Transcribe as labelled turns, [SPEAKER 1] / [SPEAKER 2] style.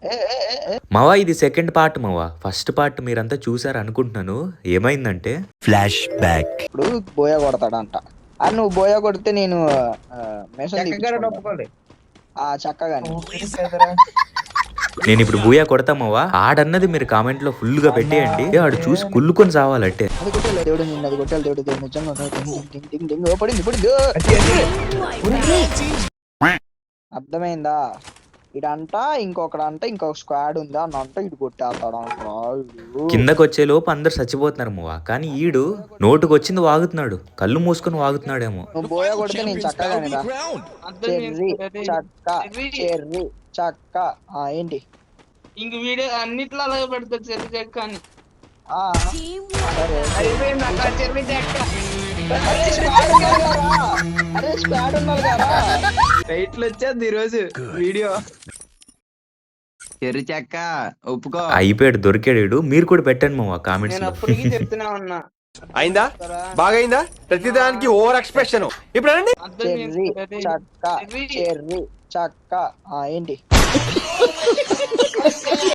[SPEAKER 1] మావా ఇది second part మావా. ఫస్ట్ పార్ట్ మీరంతా చూసారు అనుకుంటున్నాను. ఏమైందంటే ఫ్లాష్ బ్యాక్.
[SPEAKER 2] ఇప్పుడు బోయా కొడతాడంట. అది నువ్వు బోయా కొడితే నేను చక్కగాని
[SPEAKER 1] నేను ఇప్పుడు బూయా కొడతామవ్వా. ఆడన్నది మీరు కామెంట్ లో ఫుల్ గా పెట్టేయండి. ఆడు చూసి కుళ్ళుకొని సావాలంటే.
[SPEAKER 2] అది కొట్టాలి దేవుడు, నిన్ను అది కొట్టాలి దేవుడు, దేవుడు నిజంగా పడింది పడింది. అర్థమైందా? ఇడంట ఇంకొకడంట ఇంకొక స్క్వాడ్ ఉందా అని అంట ఇటు కొట్టేస్తాడు.
[SPEAKER 1] కిందకి వచ్చే లోపు అందరు చచ్చిపోతున్నారు మవ్వా. కానీ ఈడు నోటుకు వచ్చింది వాగుతున్నాడు, కళ్ళు మూసుకొని వాగుతున్నాడేమో.
[SPEAKER 2] నువ్వు బోయా కొడితే నేను చక్కగానే రా. చెర్రీ చక్క చెర్రీ చక్క ఏంటి
[SPEAKER 3] ఇంక వీడియో అన్నిట్లో అలాగే పెడతారు చెర్రీ చెక్క అని. చెర్రీ చెక్క
[SPEAKER 2] రైట్లు వచ్చేది ఈరోజు వీడియో.
[SPEAKER 4] చెర్రీ చెక్క ఒప్పుకో.
[SPEAKER 1] అయిపోయాడు, దొరికాడు. మీరు కూడా పెట్టండి మావా కామెంట్స్
[SPEAKER 3] నేను
[SPEAKER 1] లో.
[SPEAKER 3] అప్పటికి చెప్తున్నా ఉన్నా.
[SPEAKER 5] అయిందా? బాగైందా? ప్రతిదానికి ఓవర్ ఎక్స్ప్రెషన్. ఇప్పుడు అనండి.
[SPEAKER 2] చెర్రీ చక్క చెర్రీ చక్క ఏంటి